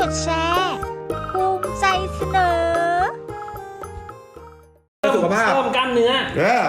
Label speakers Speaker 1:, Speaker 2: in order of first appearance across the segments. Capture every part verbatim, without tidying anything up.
Speaker 1: ดแชร์ภูมิใจเสนอ
Speaker 2: สุขภาพ
Speaker 3: เพิ่มกล้ามเนื้อ
Speaker 2: เออ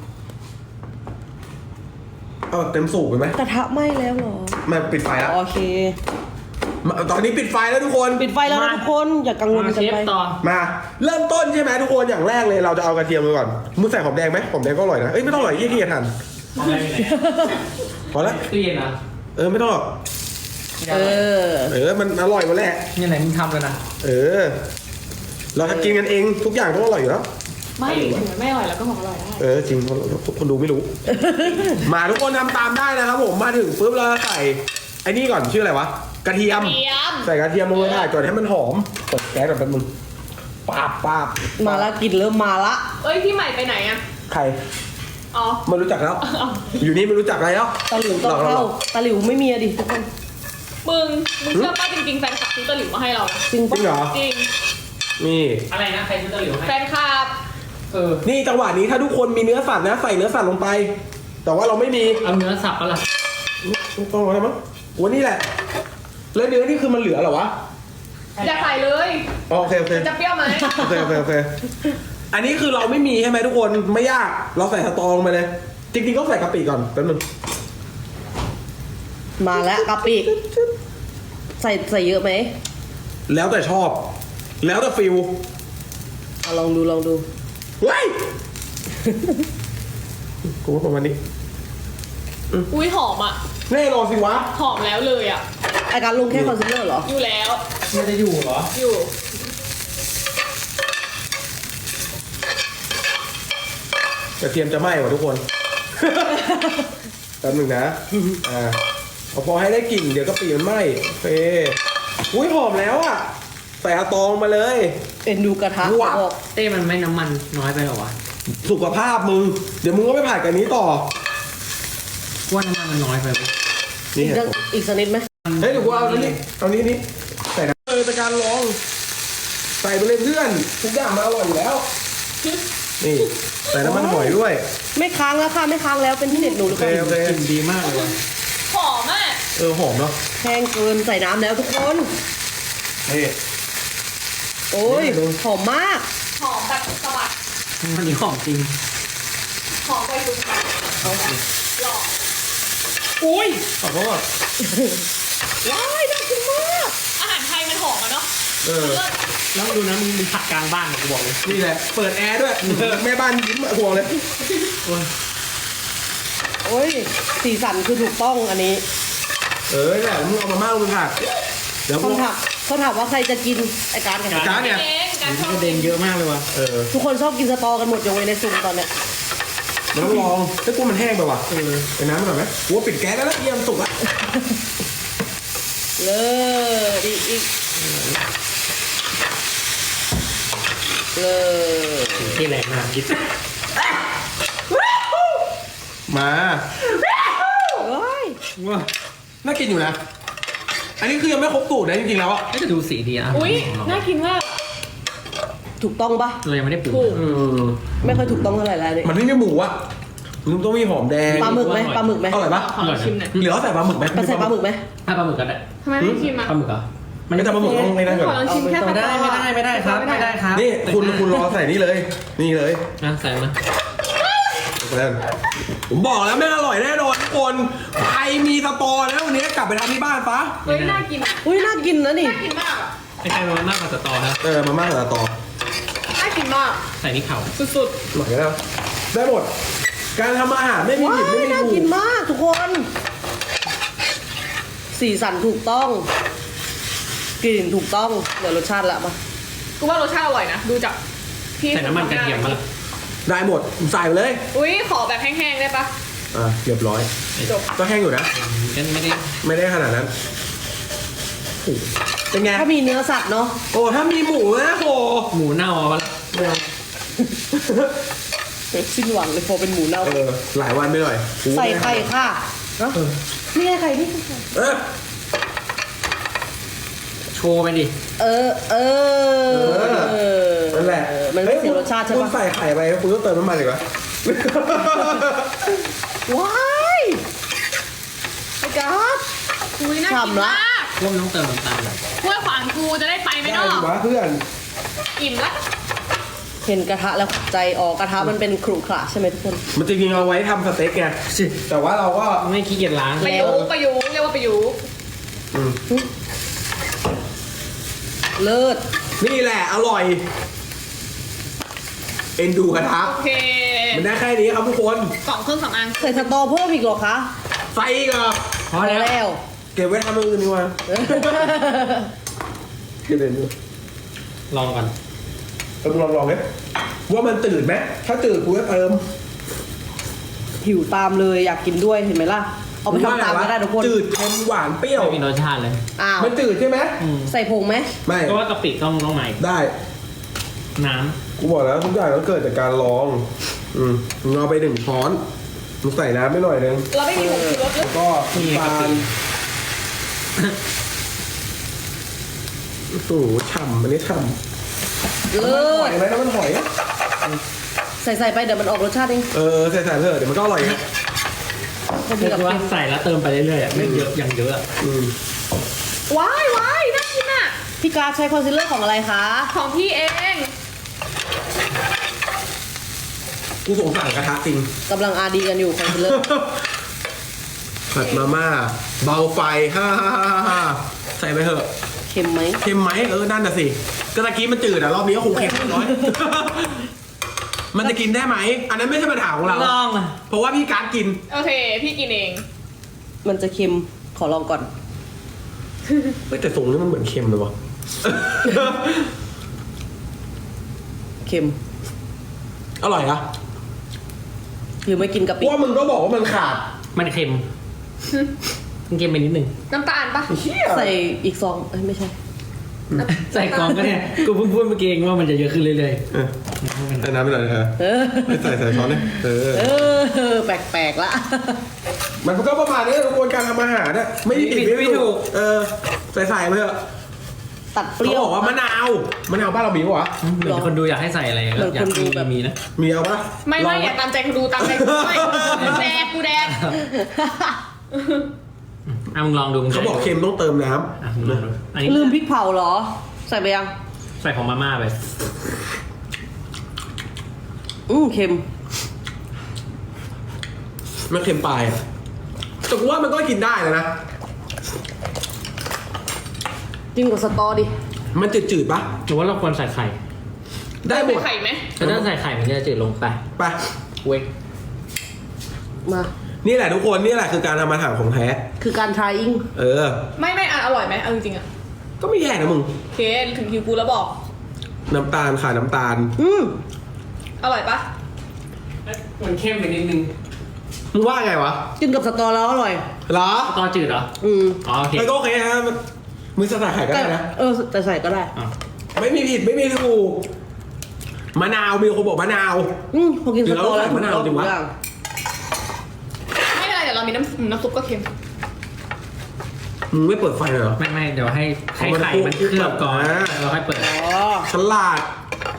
Speaker 2: เอาเต็มสูบไปไหม
Speaker 4: กระทะไหม้แล้วเหรอ
Speaker 2: มาปิดไฟแล้ว
Speaker 4: โอเค
Speaker 2: ตอนนี้ปิดไฟแล้วทุกคน
Speaker 4: ปิดไฟแล้วนะทุกคนอย่ากังวลกันไป
Speaker 2: มาเริ่มต้นใช่ไหมทุกคนอย่างแรกเลยเราจะเอากระเทียมไปก่อนมึงใส่หอมแดงไหมหอมแดงก็อร่อยนะเอ้ยไม่ต้องอร่อยยี่ที่จะทันพอแล้ว
Speaker 3: ตู้เย็นนะ
Speaker 2: เออไม่ต้อง
Speaker 4: เออ
Speaker 2: เออมันอร่อยหมดแหละ
Speaker 3: นี่ไหนมึงทำเลยนะ
Speaker 2: เออเราทำกินกันเองทุกอย่างต้องอร่อยอยู่แล้ว
Speaker 5: ไม่ถึงมันไม่อร่อยแล้วก็บอกอร่อยได้
Speaker 2: เออจริงคนดูไม่รู้ มาทุกคนทำตามได้นะครับผมมาถึงปุ๊บเราใส่ไอ้นี่ก่อนชื่ออะไรวะกระเทียมใส่กระเทียมลงไปได้ก่อนให้มันหอมเปิดแก๊สก่อนแป๊บนึงปาบปาบ
Speaker 4: มาละกินเริ่มมาละ
Speaker 5: เอ้ยพี่ใหม่ไปไหนอะ
Speaker 2: ใคร
Speaker 5: อ๋อ
Speaker 2: ไม่รู้จักแล้วอยู่นี่ไม่รู้จักอะไรแล้ว
Speaker 4: ตะหลิวต้องเข้าตะหลิวไม่มีอะดิทุกคน
Speaker 5: มึงมึงเชื่อป่ะจริงๆแฟนคลับซื้อตะหลิวมาให้เรา
Speaker 4: จริง
Speaker 2: จริงเหรอ
Speaker 5: จริง
Speaker 2: นี่
Speaker 3: อะไรนะใครซื้อตะหลิวให้
Speaker 5: แฟนคลับ
Speaker 3: เออ
Speaker 2: นี่จังหวะนี้ถ้าทุกคนมีเนื้อสัตว์นะใส่เนื้อสัตว์ลงไปแต่ว่าเราไม่มี
Speaker 3: เอาเนื้อสับปะล่ะ
Speaker 2: ต้องอะไรมั้งวันนี้แหละแล้วเนื้อนี่คือมันเหลือเหรอวะ
Speaker 5: อย่าใส่เลย
Speaker 2: โอเคโอเค
Speaker 5: จะเปรี้ยวไหม
Speaker 2: โอเคโอเคโอเคอันนี้คือเราไม่มีใช่ไหมทุกคนไม่ยากเราใส่สตอลงไปเลยจริงๆก็ใส่กะปิก่อนแป๊บนึง
Speaker 4: มาแล้วกะปิใส่ใส่เยอะไหม
Speaker 2: แล้วแต่ชอบแล้วแต่ฟิล
Speaker 4: เอาลองดูลองดู
Speaker 2: ว้ายกูว่าประมาณนี้
Speaker 5: อุ้ยหอมอ่ะ
Speaker 2: แน่นอนสิวะ
Speaker 5: หอมแล้วเลยอ่ะ
Speaker 4: ไอการลงแค่คอนซีลเลอร์เหรอ
Speaker 5: อยู่แล้ว
Speaker 3: มันจะอยู่เหรอ
Speaker 5: อยู่
Speaker 2: กระเทียมจะไหม้ว่ะทุกคนแป๊บนึงนะอ่าพอให้ได้กลิ่นเดี๋ยวกะปิมันไหม้โอเคอุ้ยหอมแล้วอ่ะใส่อาตองมาเลย
Speaker 4: เอ็นดูกระทะ
Speaker 2: ว้า
Speaker 3: เต้มันไม่น้ำมันน้อยไปหรอวะ
Speaker 2: สุขภาพมึงเดี๋ยวมึงก็ไม่ผ่านกันนี้ต่อ
Speaker 3: ว่าน้ำมันมันน้อยไป
Speaker 4: นี่อีกสักนิดไหม
Speaker 2: เฮ้ยเดี๋ยวกูเอาอันนี้เอานี้นี่ใส่นะเออเป็นการลองใส่ไปเลยเพื่อนทุกอย่างมันอร่อยอยู่แล้วนี่ใส่น้ำมันหอยด้วย
Speaker 4: ไม่ค้างแล้วค่ะไม่ค้างแล้วเป็นที่เด็ดหนูหรือเปล่าก
Speaker 3: ลิ่นดีมากเลย
Speaker 5: หอมอ่ะ
Speaker 2: เออหอมเนาะ
Speaker 4: แห้งเกินใส่น้ำแล้วทุกคน
Speaker 2: นี่
Speaker 4: โอ้ยหอมมาก
Speaker 5: หอมแบบสะบัด
Speaker 3: มันนี่หอมจริง
Speaker 5: หอมไปจุ๊บเอาหล่อ
Speaker 2: อุ้ยขอโทษ
Speaker 4: ว้ายน่ากินมาก
Speaker 5: อาหารไทยมันหอมอะเนาะ
Speaker 2: เออ
Speaker 3: แล้วดูนะมึงมึงผัดกลางบ้านกูบอกเลย
Speaker 2: นี่แหละเปิดแอร์ด้วยแม่บ้านยิ้มห่วงเลย
Speaker 4: โอ้ยสีสันคือถูกต้องอันนี้
Speaker 2: เออแหละมึงเอามาม่าลงผัด
Speaker 4: เดี๋ยวเขาถามเขาถามว่าใครจะกินไอการกัน
Speaker 2: การเนี่ย
Speaker 3: กระเด็นเยอะมากเลยว่ะ
Speaker 2: เออ
Speaker 4: ทุกคนชอบกินสตอกันหมดยกเว้นในซุปตอนเนี้ย
Speaker 2: มันต้องลองถ้ากูมันแห้งไปว่ะเออไปน้ำหน่อยไหมกูปิดแก๊สแล้วเยี่ยมสุกละ
Speaker 4: เลยดีอีกเลย
Speaker 3: ที่แรงมากคิด
Speaker 2: มา
Speaker 4: เฮ้ย
Speaker 3: ว้า
Speaker 2: น่ากินอยู่นะอันนี้คือยังไม่ครบสูตรนะจริงๆแล้วอ่ะ
Speaker 3: น่าจะดูสีดีอ่ะ
Speaker 5: อุ้ยน่ากินมาก
Speaker 4: ถูกต้องปะ
Speaker 3: เรายังไม่ได้ปรุง
Speaker 4: ไม่ค่อยถูกต้องเท่าไหร่แล้วเนี่ย
Speaker 2: มันไม่มีหมูอ่ะมันต้องมีหอมแดง
Speaker 4: ปลาหมึกไหมปลาหมึกไหม
Speaker 2: อร่อยปะ
Speaker 5: อร่อยชิมหน่อย
Speaker 2: เหลือใส่ปลาหมึกไหม
Speaker 4: ใส่ปลาหมึกไหม
Speaker 3: ถ้าปลาหมึกก็ได้
Speaker 5: ทำไมไม่ชิมอ่ะ
Speaker 3: ปลาหมึกเหรอ
Speaker 2: มันจะปลาหมึกต้องไม่ได้ก่อน
Speaker 5: ลองชิมแค่
Speaker 3: ไม่ได้ไม่ได้ไม่ได้ครับไม่ได้ครับ
Speaker 2: นี่คุณคุณรอใส่นี่เลยนี่เลย
Speaker 3: นะใส่มา
Speaker 2: ผมบอกแล้วไม่อร่อยแน่นอนทุกคนใครมีสตอแล้ววันนี้กลับไปทำที่บ้านปะ
Speaker 5: เฮ้ยน่ากิน
Speaker 4: อุ้ยน่ากินนะนี่
Speaker 5: น่ากินมากอ่ะ
Speaker 3: ไอ้ใครมามากกว่าสตอครับ
Speaker 2: เออมามากกว่าสตอ
Speaker 5: น่ากินมาก
Speaker 3: ใส่นี่เข่า
Speaker 5: สุด
Speaker 2: ๆหน่อยแล้วได้หมดการทำอาหารไม่มีผิดไม่มีถูก
Speaker 4: น่ากินมากทุกคนสีสันถูกต้องกลิ่นถูกต้องเดี๋ยวรสชาติละมา
Speaker 5: กูว่ารสชาติอร่อยนะดูจาก
Speaker 3: พี่ใส่น้ำมันกระเทียมมาละ
Speaker 2: ได้หมดใส่ไปเลย
Speaker 5: อุ้ยขอแบบแห้งๆได้ปะ
Speaker 2: อ่าเรียบร้อย
Speaker 5: จบ
Speaker 2: ก็แห้งอยู่นะ
Speaker 3: กันไม่ได้
Speaker 2: ไม่ได้ขนาดนั้นเป็นไง
Speaker 4: ถ้ามีเนื้อสัตว์เนาะ
Speaker 2: โอ้ถ้ามีหมูนะโอ้
Speaker 3: หมูเน่าอ่ะ
Speaker 2: ไม่เอา
Speaker 4: สิ้นหวังเลยพอเป็นหมูเน่า
Speaker 2: เออหลายวันไปหน่อย
Speaker 4: ใส่ไข่ค่ะเนาะนี่ไงไข่นี่
Speaker 2: เออ
Speaker 3: โชว์ไปดิ
Speaker 4: เออเออ
Speaker 2: นั่นแหละ
Speaker 4: มันไม่เสียรสชาติใช่ปะ
Speaker 2: คุณใส่ไข่ไปคุณต้องเติมน้ำมันอีกวะ
Speaker 4: ว้ายไอ้ก๊อฟ
Speaker 5: อุ้ยน่ากินมาก
Speaker 3: ว่ามันต้องเติมน้ำตาลหน่อย
Speaker 5: ห้วยขวางกูจะได้ไปไหม
Speaker 2: ได้
Speaker 5: เนาะ
Speaker 2: ดีวะเพื่อน
Speaker 5: อิ่มละ
Speaker 4: เห็นกระทะแล้วใจออกกระทะมันเป็นขรุขระใช่ไหมทุกคน
Speaker 2: มันจริงๆเอาไว้ทำสเต็กไงแต่ว่าเราก็
Speaker 3: ไม่ขี้เกียจล้าง
Speaker 5: ประยุกต์ประยุกต์เรียกว่าประยุกต์
Speaker 2: อืม
Speaker 4: เลิศ
Speaker 2: นี่แหละอร่อย เอ็นดูกระทะ
Speaker 5: โอเค
Speaker 2: มันได้แค่นี้ครับทุกคน
Speaker 5: กล่องเครื่องสำอาง
Speaker 4: ใส่สตอเพิ่มอีกเหรอคะ
Speaker 2: ใส่อีกเหรอ
Speaker 3: พอแล้ว
Speaker 4: แล้ว
Speaker 2: เก็บไว้ทำอย่างอื่นดีกว่าเก็บเด่นดู
Speaker 3: ลองก่อน
Speaker 2: เออมึงลองลองเลยว่ามันตื่นไหมถ้าตื่นกูจะเติม
Speaker 4: หิวตามเลยอยากกินด้วยเห็นไหมล่ะ เอาไปทำตามก็ได้ทุกคน
Speaker 2: จืดเค็มหวานเปรี้ยว
Speaker 3: ไม่มีรสชาติเลย
Speaker 4: อ้าว
Speaker 2: มันจืดใช่ไหม
Speaker 4: ใส่ผงไหม
Speaker 2: ไม่
Speaker 3: เพราะว่ากะปิต้องต้องใหม่
Speaker 2: ได้
Speaker 3: น้
Speaker 2: กูบอกแล้วทุกอย่างต้องเกิดจากการลอง อืมมึงเอาไปหนึ่งช้อนมึงใส่น้ำไปหน่อยนึง
Speaker 5: เราไม่มีผงชูรสเล
Speaker 2: แล้
Speaker 5: ยว
Speaker 2: ก็น้ำตาลโอ้โหฉ่ำอันนี้ฉ่ำ
Speaker 4: เลิ
Speaker 2: หอ
Speaker 4: ศ
Speaker 2: ยไหมน้ำมันหอย
Speaker 4: ใส่ใส่ไปเดี๋ยวมันออกรสชาติเอง
Speaker 2: เออใส่ใส่เถอะเดี๋ยวมันก็อร่อยนะ
Speaker 4: ก็
Speaker 3: ำ
Speaker 4: มี
Speaker 3: คือ
Speaker 4: กับ
Speaker 3: ว่า
Speaker 4: เค็ม
Speaker 3: ใส่แล้วเติมไปเรื่อยๆอะไม่เยอะอย่างเยอะอะ
Speaker 2: อืม
Speaker 5: ว้ายว้ายน่ากินอ่ะ
Speaker 4: พี่การดใช้คอนซีลเลอร์ของอะไรคะ
Speaker 5: ของพี่เอง
Speaker 2: กูสงสารกระทะจริง
Speaker 4: กำลังอาดีกันอยู่คอนซีลเลอร์
Speaker 2: ผัดมาม่าเบาไฟฮ่าฮ่าฮ่าฮ่าใส่ไปเถอะ
Speaker 4: เค็มไหม
Speaker 2: เค็มไหมเออนั่นน่ะสิก็ตะกี้มันจืดอะรอบนี้ก็คงเค็มน้อย มันจะกินได้ไหมอันนั้นไม่ใช่ปัญหาของเรา
Speaker 3: ลองอะ
Speaker 2: เพราะว่าพี่การดกิน
Speaker 5: โอเค พี่กินเอง
Speaker 4: มันจะเค็มขอลองก่อน
Speaker 2: เฮ้ยแต่ทรงนี้มันเหมือนเค็มเลยวะ
Speaker 4: เค็ม
Speaker 2: อร่อยอะ
Speaker 4: หรือไม่กินกะ
Speaker 2: เพ
Speaker 4: ปิ
Speaker 2: ราะว่ามึงก็บอกว่ามันขาด
Speaker 3: มันเค็มมันเค็มไปนิดนึง
Speaker 5: น้ำตาลปะ
Speaker 2: เหี้ย
Speaker 4: ใส่อีกซองเอ้ยไม่ใช่
Speaker 3: ใส่กล่องก็เนี่ยกูเพิ่งพูดเมื่อกี้เองว่ามันจะเยอะขึ้นเรื่อย
Speaker 2: เออใส่น้ำไปหน่อยเถอะ
Speaker 4: เออ
Speaker 2: ไม่ใส่ใส่ช้อนเลยเออ
Speaker 4: เออ แปลกๆละ
Speaker 2: มันก็ประมาณนี้กระบวนการทำอาหารน่ะไม่ได้ผิดไม่ถูกเออใส่ใส่ไปเถอะ
Speaker 4: ตัดเป
Speaker 2: เขา
Speaker 4: รี้ยว
Speaker 2: บอกว่ามะนาวมะนาวบ้านเรามีปะวะ
Speaker 3: ๆเหมือนคนดูอยากให้ใส่อะไร
Speaker 4: เหมือน
Speaker 3: อยาก
Speaker 4: คนดู
Speaker 3: มี
Speaker 4: แบบ
Speaker 3: มีนะ
Speaker 2: มีเอาปะ
Speaker 5: ไม่ไม่
Speaker 3: ลอง
Speaker 5: อย่าตามใจกูดูตามใจกูด้วยกูแดกกูแดก
Speaker 3: อ่ะมึงลองดูมึง
Speaker 2: เขาบอกเค็มต้องเติมน้
Speaker 3: อ่ะมึงลองดูอันนี้
Speaker 4: ลืมพริกเผาเหรอ ใส่ไปยัง
Speaker 3: ใส่ของมาม่าไป
Speaker 4: อืมเค็ม
Speaker 2: ำมันเค็มปลายอะแต่กูว่ามันก็กินได้นะนะ
Speaker 4: จิ้มกับสตอดิ
Speaker 2: มันจืดๆปะ
Speaker 3: หรือว่าเราควรใส่ไข่
Speaker 2: ได้หมด
Speaker 5: ไข่ไหม
Speaker 3: แต่ถ้าใส่ไข่มันจะจืดลงไป
Speaker 2: ไป
Speaker 3: เว้ย
Speaker 4: มา
Speaker 2: นี่แหละทุกคนนี่แหละคือการทำอาหารของแท้
Speaker 4: คือการ trying
Speaker 2: เออ
Speaker 5: ไม่ไม่อ่ะอร่อยไหมเอาจริงๆอ่ะ
Speaker 2: ก็ไม่แย่นะมึง
Speaker 5: โอเคถึงคิวกูแล้วบอก
Speaker 2: น้ำตาลขาดน้ำตาล
Speaker 4: อืม
Speaker 5: อร่อยปะ
Speaker 3: มันเข้มไปนิดนึง
Speaker 2: มึงว่าไงวะ
Speaker 4: กินกับสตอแล้วอร่อย
Speaker 2: เหรอ
Speaker 3: ตอจืดเหรอ
Speaker 4: อืม
Speaker 3: อ๋อโอเค
Speaker 2: มันก็โอเคนะมันมือสลัดไข่ก็ได้นะ
Speaker 4: เออแต่ใส่ก็ได้
Speaker 3: อ่ะ
Speaker 2: ไม่มีผิดไม่มีถูกมะนาวมีคนบอกมะนาว
Speaker 4: อืมพอกินสตอแล้ว
Speaker 2: หรือเราใส่มะนาวจริงวะ
Speaker 4: ทุกอย่
Speaker 5: ไม่เป็นไรเดี๋ยวเรามีน้ำน้ำซุปก็เค็ม
Speaker 2: มึงไม่เปิดไฟเลยเหรอ
Speaker 3: ไม่ไม่เดี๋ยวให้ให้
Speaker 2: เอามัน
Speaker 3: ไข่มัน
Speaker 2: คลุก
Speaker 3: เคลือบก่อน
Speaker 2: อ่า
Speaker 3: แล้วเราค่อยเปิด
Speaker 4: อ๋อ
Speaker 2: ฉลาด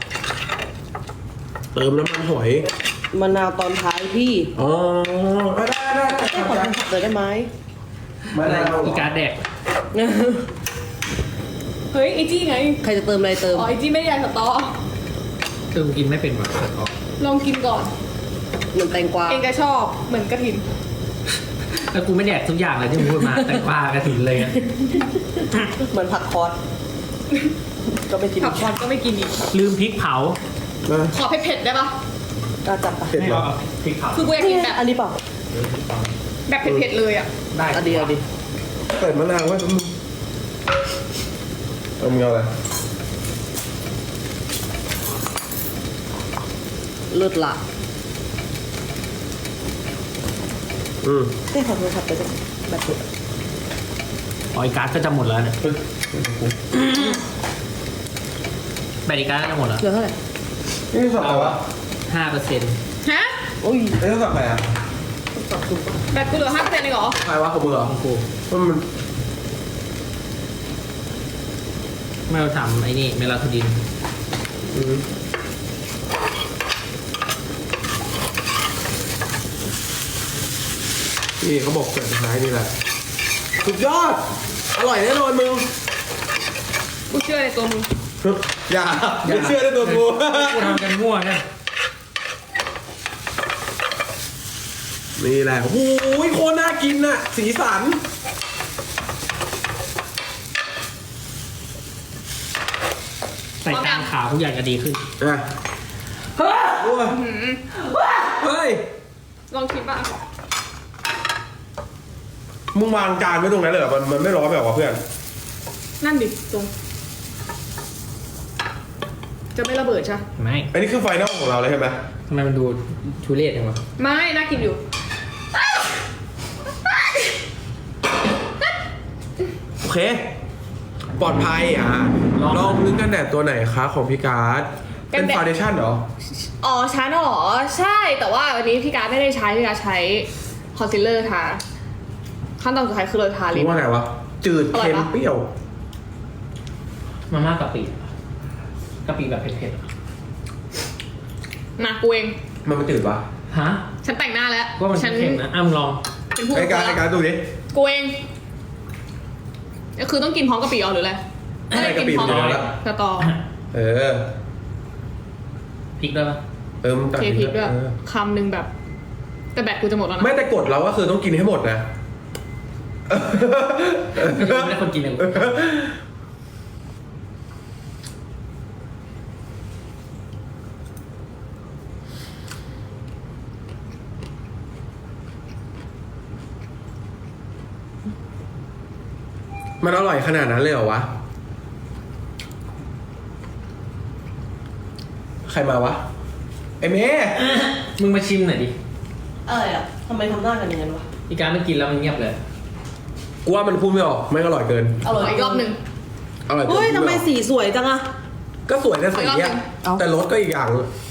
Speaker 2: เติมน้ำมันหอย
Speaker 4: มะนาวตอนท้ายพี่
Speaker 2: อ๋อได้ได้ได้
Speaker 4: ได้ขอทำผักเลยได้ไหม
Speaker 2: มะนาว
Speaker 3: อีการ์ดแดก
Speaker 5: เฮ้ยไอจี้ไง
Speaker 4: ใครจะเติมอะไรเติม
Speaker 5: อ๋อไอจี้ไม่ได้อยากสตอ
Speaker 3: คือกินไม่เป็นหรอก
Speaker 5: ลองกินก่อน
Speaker 4: เหมือนแตงกวา
Speaker 5: เองจะชอบเหมือนกระถิน
Speaker 3: แล้วกูไม่แดกทุกอย่างเลยที่มึงพูดมา แต่ปลากระถิ่นเลยอะ
Speaker 4: เหมือนผักคอสก็ไม่กิน
Speaker 5: ผักคอนก็ไม่กินอีก
Speaker 3: ลืมพริกเผา
Speaker 2: นะ
Speaker 5: ขอเผ็ดๆได้ปะ
Speaker 4: ก็จับไป
Speaker 2: เผ็ดเหรอ
Speaker 3: พริกเผา
Speaker 5: คือกูอยากกินแบบ
Speaker 4: อันนี้เปล่า
Speaker 5: แบบเผ็ดๆเลยอ่ะ
Speaker 3: ได้
Speaker 4: อันดีอันดี
Speaker 2: เปิดมะนาวไว้มึงเอามึงเอาอะไร
Speaker 4: เลิศละ
Speaker 2: อืม
Speaker 4: ได้ขอโทรศัพท์ไปด้วยแบบนี้
Speaker 3: อ๋ออีการ์ดก็จะหมดแล้วเนี่ย
Speaker 2: เฮ้ย
Speaker 3: แบตอีการ์ดก็จะหมดแล้ว
Speaker 4: เหลือเท่าไหร่
Speaker 2: นี่สับอะไรวะ
Speaker 3: ห้าเปอร์เซ็นต์
Speaker 5: ฮะ
Speaker 4: โอ้ย
Speaker 2: ไอ้ยสับอะไรอ่ะ
Speaker 4: สับถูกปะ
Speaker 5: แบบกูเหลือห้าเปอร์เซ็นต์เองเหรอ
Speaker 2: ใครวะของมึงเหรอของกูว่ามัน
Speaker 3: ไม่เราทำไอ้นี่เมลาโทนิน
Speaker 2: อืมนี่เขาบอกเกิดท้ายนี่แหละสุดยอดอร่อยแน่นอนมึง
Speaker 5: กูเชื่อในตัวมึง
Speaker 2: อย่าไม่เชื่อในตัวกู
Speaker 3: กูทำกันมั่วเนี่ย
Speaker 2: นี่แหละโอ้ยโคตรน่ากินน่ะสีสัน
Speaker 3: ใส่ตามขาวทุกอย่างจะดีขึ้น
Speaker 2: อ่ะเฮ้ยเฮ้ย
Speaker 5: ลองคิดบ้าง
Speaker 2: มึงวางจานไว้ตรงนั้นเลยเหรอมันมันไม่ร้อนแบบว่าเพื่อน
Speaker 5: นั่นดิตรง จะไม่ระเบิดใช่
Speaker 3: ไม่
Speaker 2: อันนี้คือไฟนอลของเราเลยใช่ไหม
Speaker 3: ทำไมมันดูทุเรศจังวะ
Speaker 5: ไม่น่ากินอยู่
Speaker 2: โอเค ปลอดภัยอ่ะลองนึกกันแดดตัวไหนคะของพี่การ์ดเป็นฟาวเดชั่นเหรอ
Speaker 5: อ๋อชั้นเหรอ ใช่แต่ว่าวันนี้พี่การดไม่ได้ใช้พี่การดใช้คอนซีลเลอร์ทาขั้นตอนสุดท้ายคือเราทาลิ
Speaker 2: รู้
Speaker 5: ป
Speaker 2: ว่าไงวะ จืด
Speaker 5: อร่อย
Speaker 2: เค็ม
Speaker 5: ปะ
Speaker 2: เปรี้ยว
Speaker 3: มาม่ากะปิกะปิแบบเผ็ด
Speaker 5: มากูเอง
Speaker 2: มันมันจืดปะ
Speaker 3: ๆฮะ
Speaker 5: ฉันแต่งหน้าแล้ว
Speaker 3: ว่ามัน
Speaker 5: ฉัน
Speaker 3: เค็มนะอ้ำลอง
Speaker 5: เป็นผู้
Speaker 2: ไอการไอการดูดิ
Speaker 5: กูเองก็คือต้องกินพร้อมกะปิเอาหรืออะไร
Speaker 2: ใช่กะปิ
Speaker 5: พร้อม
Speaker 2: มันอยู่แล้ว
Speaker 5: สตอ
Speaker 2: เออ
Speaker 3: พริกด้วยปะ
Speaker 2: เออมึงตัด
Speaker 5: เทพริกด้วย
Speaker 2: เออ
Speaker 5: คำหนึ่งแบบ แต่แบตกูจะหมดแล้วนะ
Speaker 2: ไม่แต่กดเราก็คือต้องกินให้หมดนะ
Speaker 3: ไม่ได้คนกินเลย
Speaker 2: มันอร่อยขนาดนั้นเลยเหรอวะ ใครมาวะ ไอเมย์
Speaker 3: มึงมาชิมหน่อยดิ
Speaker 4: อะไรอ่ะทำไมทำหน้ากันอย่างนั้นวะ
Speaker 3: อีการไม่กินแล้วมันเงียบเลย
Speaker 2: กูว่ามันพูดไม่ออกไม่งอร่อยเกิน
Speaker 4: อร่อย
Speaker 5: อีกรอบหนึ่ง
Speaker 2: อร่อยเกิน
Speaker 4: เฮ้ยทำไมสีสวยจังอะ
Speaker 2: ก็สวยนะสี
Speaker 5: ขออีกรอบหนึ่
Speaker 2: อะ
Speaker 5: ง
Speaker 4: เอา
Speaker 2: แต่รสก็อีกอย่าง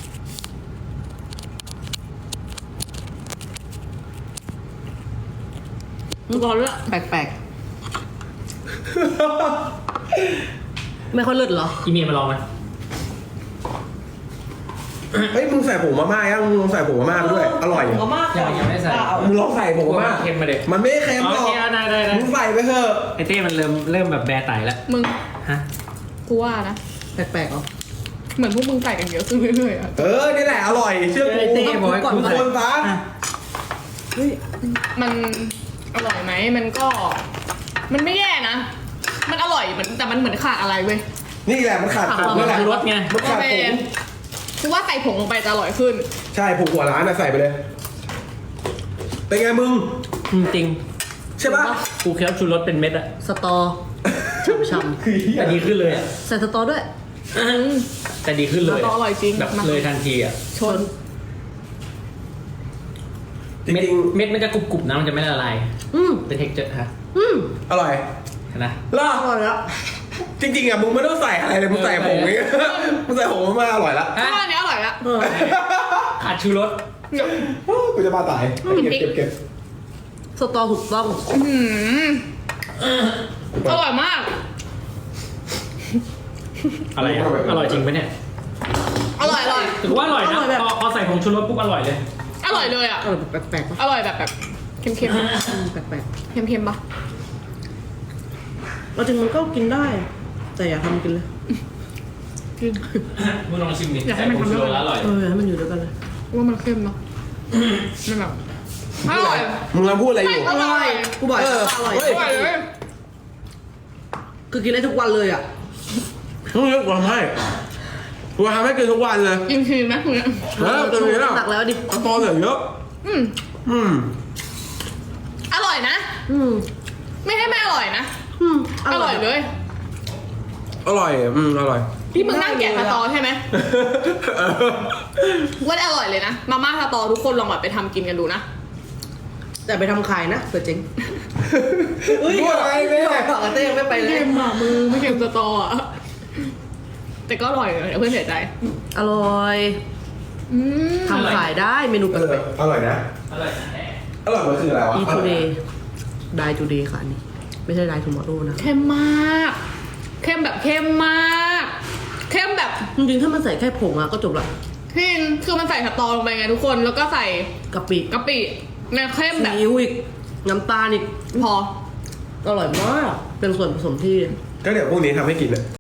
Speaker 5: ร้อนละ
Speaker 4: แปลกๆ ไม่ค่อยเลิศเหรอ
Speaker 3: อีเมียมาลองไหม
Speaker 2: เฮ้ยมึงใส่ผงมาม่ายังมึงลองใส่ผงมาม่าไปด้วย อร่อย
Speaker 4: ก็มาก
Speaker 3: ยังยังไม่ใส่
Speaker 2: มึงลองใส่ผงมาม่า
Speaker 3: เค็มมาเด็ก
Speaker 2: มันไม่ได้เค็มหรอก
Speaker 3: โอเคได้ได้ได้
Speaker 2: มึงใส่ไปเถอะ
Speaker 3: ไอเต้มันเริ่มเริ่มแบบแบร์ไตแล้ว
Speaker 5: มึง
Speaker 3: ฮะ
Speaker 5: กูว่านะ
Speaker 4: แปลกๆเหรอ
Speaker 5: เหมือนพวกมึงใส่กันเยอะขึ้นเรื่อยๆอะ
Speaker 2: เออ นี่แหละอร่อย เชื่อกู
Speaker 3: ไอเต้บอกให้
Speaker 2: ทุกคนซะ
Speaker 3: อ่ะ
Speaker 4: เฮ้ย
Speaker 5: มันอร่อยไหมมันก็ มันไม่แย่นะ มันอร่อยมันแต่มันเหมือนขาดอะไรเว้ย
Speaker 2: นี่แหละมันขาดผงนี่แหละ
Speaker 3: รสไง
Speaker 2: มันขาดผง
Speaker 5: กูว่าใส่ผงลงไปจะอร่อยขึ้น
Speaker 2: ใช่ผงหัวร้านนะใส่ไปเลย เป็นไงมึง
Speaker 3: จริง
Speaker 2: ใช่ปะ
Speaker 3: กูเคี้ยวชูรสเป็นเม็ดอะ
Speaker 4: สตอช่ำ
Speaker 2: คือเหี้ย
Speaker 3: แต่ดีขึ้นเลยอะ
Speaker 4: ๆใส่สตอด้วย
Speaker 3: แต่ดีขึ้นเลย
Speaker 5: สตออร่อยจริง
Speaker 3: แบบ
Speaker 5: มา
Speaker 3: เลยทันทีอะ
Speaker 5: ชน
Speaker 2: จ
Speaker 3: เม็ด
Speaker 2: ริง
Speaker 3: เม็ดมันจะกรุบๆนะมันจะไม่ละลาย
Speaker 4: อืม
Speaker 3: เป็นเทคเจอร์ฮะ
Speaker 4: อืม
Speaker 2: ๆอร่อย
Speaker 3: เห็นนะ
Speaker 2: ล่ะ
Speaker 4: อร่อยแล้ว
Speaker 2: จริงๆอ่ะมึงไม่ต้องใส่อะไรเลยมึงใส่ผงนี่ มึงใส่ผงมาม่าอร่อยละ
Speaker 5: กูว่าอันนี้อร่อยละ
Speaker 4: เออ
Speaker 3: ขาดชูรส
Speaker 2: กูจะบ้าตายเก็บเก็บเก็บ
Speaker 4: สตอถูกต้อง
Speaker 5: อืมอร่อยมาก
Speaker 3: อะไรอะอร่อยจริงปะเนี่ย
Speaker 5: อร่อยอร่อย
Speaker 3: ถือว่าอร่อยนะ
Speaker 4: อร่อยแบบ
Speaker 3: พอพอใส่ผงชูรสปุ๊บอร่อยเลย
Speaker 5: อร่อยเลยอ่ะ
Speaker 4: อร่อยแบบแปลกๆปะ
Speaker 5: อร่อยแบบแบบเค็มๆ
Speaker 4: อืมแปลก
Speaker 5: เค็มๆปะ
Speaker 4: ๆเราจริงมันก็กินได้ แต่อย่าทำกินเลย
Speaker 3: มึงลองชิมดิ
Speaker 5: อยากให้
Speaker 3: ใส่
Speaker 5: มัน
Speaker 3: ผง
Speaker 5: ทำ
Speaker 3: ชูรส
Speaker 5: ด้วย
Speaker 3: แล้วอร่อย
Speaker 4: เออให้มันอยู่ด้วยกันเลย
Speaker 5: ว่ามันเค็มเนาะมันแบบอร่อย
Speaker 2: มึงกำลังพูดอะไรอยู่
Speaker 5: อร่อย
Speaker 4: กูบอก
Speaker 2: เออ
Speaker 4: อร่อย
Speaker 2: เฮ้
Speaker 5: อร่อยเลย
Speaker 4: คือกินได้ทุกวันเลยอ่ะ
Speaker 2: มึงเลือกกูทำให้กูทำให้กินทุกวันเลย
Speaker 5: กินทีนะคุณเนี่ย
Speaker 2: เออตัวนี้แล้ว
Speaker 4: หนักแล้วดิ
Speaker 2: ตอนเหลือเยอะ
Speaker 5: อืม
Speaker 2: อืม
Speaker 5: อร่อยนะ
Speaker 4: อืม
Speaker 5: ไม่ให้ไม่อร่อยนะ
Speaker 4: อืม
Speaker 5: อร่อยเลย
Speaker 2: อร่อย อืม อร่อย
Speaker 5: ที่มึงนั่งแกะสตอใช่ไหม
Speaker 2: เออ
Speaker 5: ว่าอร่อยเลยนะ มาม่าสตอทุกคนลองแบบไปทำกินกันดูนะ
Speaker 4: แต่ไปทำขายนะเผื่อเจ๊ง
Speaker 2: พูดอะไรเนี่ย
Speaker 4: บอกกับเต้ยังไม่ไปเลย
Speaker 5: เค็มอ่ะมือไม่เค็มสตออ่ะ แต่ก็อร่อยเลยเพื่อนเสียใจ
Speaker 4: อร่อย
Speaker 5: อืม
Speaker 4: ทำขายได้เมนู
Speaker 2: เอ
Speaker 4: แป
Speaker 2: อ
Speaker 4: ลก
Speaker 2: อร่อยนะ
Speaker 3: อร่อยนะแต่
Speaker 2: อร่อยมันคืออะไรวะ
Speaker 4: ๆ e today die today ค่ะอันนี้ ไม่ใช่ die tomorrow นะ
Speaker 5: เค็มมาก เค็มแบบเค็มมาก เค็มแบบ
Speaker 4: จริงๆถ้ามันใส่แค่ผงอะก็จบละ
Speaker 5: พินคือมันใส่สตอลงไปไงทุกคน แล้วก็ใส่
Speaker 4: กะปิ
Speaker 5: กะปิเนี่ยเค็ม
Speaker 4: ซี
Speaker 5: แบบ
Speaker 4: อิ๊วอีก น้ำตาลอีก
Speaker 5: พอ
Speaker 4: เออร่อยมาก เป็นส่วนผสมที่
Speaker 2: ก็เดี๋ยวพรุ่งนี้ทำให้กินเลย